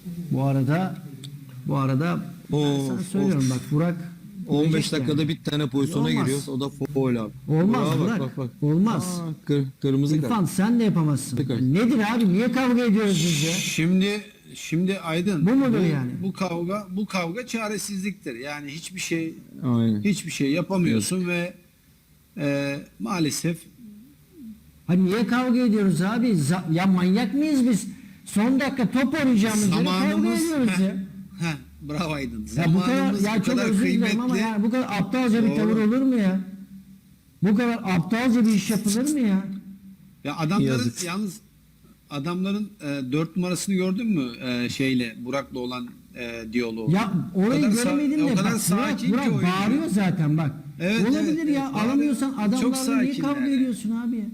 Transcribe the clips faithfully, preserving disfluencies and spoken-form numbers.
Bu arada bu arada ben Of, sana söylüyorum of. bak Burak on beş görecek dakikada yani. bir tane pozisyona Olmaz. giriyoruz. O da foul abi. Olmaz Bravo, Burak. bak, bak, bak. Olmaz. Aa, kır, kırmızı İrfan kart. sen de yapamazsın. Tekrar. Nedir abi? Niye kavga ediyoruz biz ya? Şimdi şimdi Aydın Bu mudur yani? Bu kavga bu kavga çaresizliktir. Yani hiçbir şey Aynen. hiçbir şey yapamıyorsun ve e, maalesef Hani niye kavga ediyoruz abi? Za- ya manyak mıyız biz? Son dakika top oynayacağımız yere kavga zamanımız ediyoruz Heh, ya. heh, bravo Aydın. Ya bu kadar Zamanımız ya bu çok kadar özür dilerim kıymetli. ama yani bu kadar aptalca bir Doğru. tavır olur mu ya? Bu kadar aptalca bir iş yapılır mı ya? Ya adamların Yazık. yalnız adamların e, dört numarasını gördün mü e, şeyle Burak'la olan e, diyaloğu? Ya orayı O kadar sa- göremedim de o kadar bak Burak, sakin Burak ki oyuncu. bağırıyor zaten bak. Evet, Olabilir evet, ya evet, bağırıyor. alamıyorsan Çok adamlarla niye sakinler kavga yani. ediyorsun abi ya?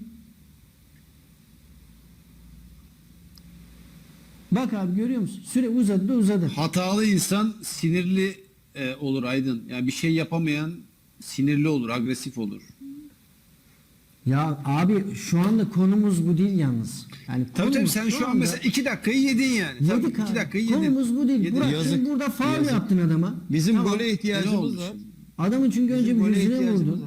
Bak abi görüyor musun? Süre uzadı da uzadı. Hatalı insan sinirli e, olur Aydın. Yani bir şey yapamayan sinirli olur, agresif olur. Ya abi şu anda konumuz bu değil yalnız. Yani Tabii tabii konumuz sen şu an anda- mesela iki dakikayı yedin yani. Tabii, yedik iki abi. dakikayı yedin. Konumuz bu değil. Yedin. Burak Yazık, sen burada faul yazık. yaptın adama. Bizim Tamam. gole Ne ihtiyacımız olmuş? var. Adamın çünkü önce Bizim bir gole yüzüne ihtiyacımız vurdu. var.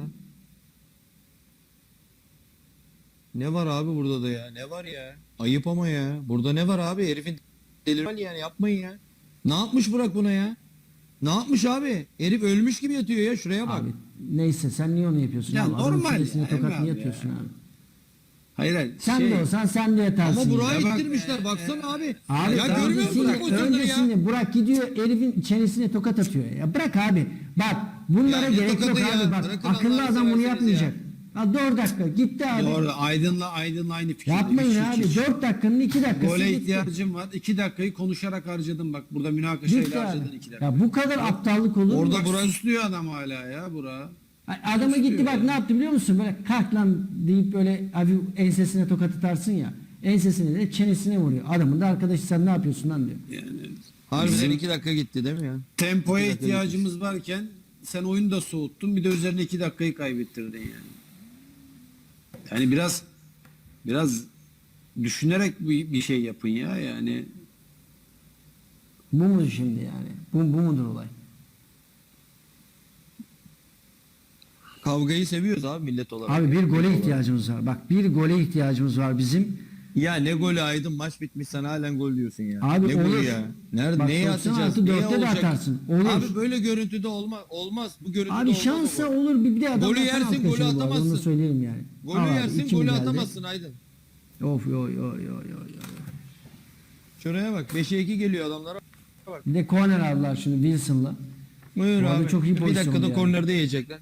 Ne var abi burada da ya? Ne var ya? Ayıp ama ya. Burada ne var abi? Herifin delirmeli yani yapmayın ya. Ne yapmış Burak buna ya? Ne yapmış abi? Herif ölmüş gibi yatıyor ya. Şuraya bak. Abi neyse sen niye onu yapıyorsun? Ya abi? Adamın normal çenesine ya, tokat Emre niye abi atıyorsun ya. abi? Hayır hayır. Sen şey, de olsan sen de yatarsın. Ama ya. Burak'ı Ya bak- ittirmişler. Baksana abi. Abi ya görmüyor musun öncesinde, bu pozisyonları ya? öncesinde Burak gidiyor herifin çenesine tokat atıyor ya. Bırak abi. Bak bunlara Ya ne gerek yok tokatı abi. ya? Bak Bırakın akıllı Allah'ını adam bunu severseniz yapmayacak. Ha dört dakika gitti abi. Doğru. Aydın'la Aydın'la aynı fikirde. Yapmayın Hiç, abi. hiç, hiç. dört dakikanın iki dakikası Gole gitti. ihtiyacım var. iki dakikayı konuşarak harcadım bak. Burada münakaşayla Gitti harcadın abi. iki dakika. Ya bu kadar aptallık olur mu? Orada Bak, Burak süslüyor adam hala ya Burak. adama gitti istiyor bak ya. ne yaptı biliyor musun? Böyle kalk lan deyip böyle hafif ensesine tokat atarsın ya. Ensesine de çenesine vuruyor. Adamın da arkadaşı sen ne yapıyorsun lan diyor. Yani Harbiden Bizim- iki dakika gitti değil mi ya? tempoya İki dakika ihtiyacımız varken sen oyunu da soğuttun. Bir de üzerine iki dakikayı kaybettirdin yani. Yani biraz biraz düşünerek bir, bir şey yapın ya yani. Bu mu şimdi yani? Bu, bu mudur olay? Kavgayı seviyoruz abi millet olarak. Abi bir gole ihtiyacımız var. Bak bir gole ihtiyacımız var bizim. Ya ne golü Aydın, maç bitmiş sen halen gol diyorsun ya. Abi ne olur. golü ya? Nerede Bak neye doksan atacağız? altı Neye dörtte de olacak? atarsın. Olur. Abi böyle görüntüde olmaz. Olmaz. Bu görüntüde Abi olmaz. şansa o gol. olur bir, bir de adam Golü atan yersin, alt golü köşeli bu arada, atamazsın. Onu da söyleyelim yani. Golü Al abi, yersin, iki mi golü geldi? atamazsın Aydın. Of yo yo yo yo yo. Şuraya bak. beşe iki geliyor adamlara. Bir de corner aldılar şimdi Wilson'la. Buyur Bu arada abi. çok iyi bir pozisyondu dakikada yani. kornerde yiyecekler.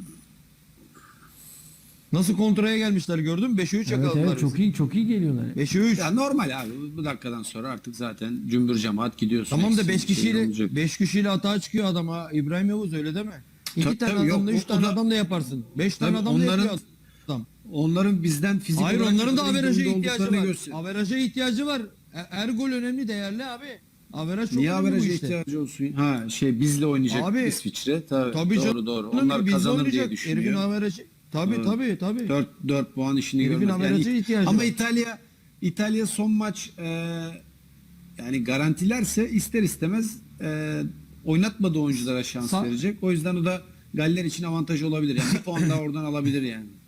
Nasıl kontraya gelmişler gördün mü? beşe üç Evet yakaladılar. evet çok iyi çok iyi geliyorlar. beşe üç. Ya normal abi. Bu dakikadan sonra artık zaten cümbür cemaat gidiyorsun. Tamam da Eksik beş bir şey kişiyle olmayacak. beş kişiyle hatağa çıkıyor adam ha. İbrahim Yavuz öyle deme. İki Tabii, tane tabii, adamla yok, üç o- tane o da- adam da yaparsın. Beş tane Tabii adam da onların- yapıyor adam. Onların bizden fizik Hayır olarak onların da ne kadar averaja durumda ihtiyacı olduklarını var. göster- Averaja ihtiyacı var. E- Her gol önemli, değerli abi. Averaj çok Niye önemli bu averaja işte. ihtiyacı olsun? Ha şey bizle oynayacak Abi, İsviçre. Tabii, Tabii doğru canım. doğru. Bizle Onlar kazanır oynayacak. diye Herifin düşünüyor. averajı. Tabii Evet. tabii tabii. dört dört puan işini Herifin görmez. averaja ihtiyacı ama var. İtalya İtalya son maç e, yani garantilerse ister istemez e, oynatmadığı oyunculara şans Sa- verecek. O yüzden o da Galler için avantaj olabilir. Yani bir puan daha oradan alabilir yani.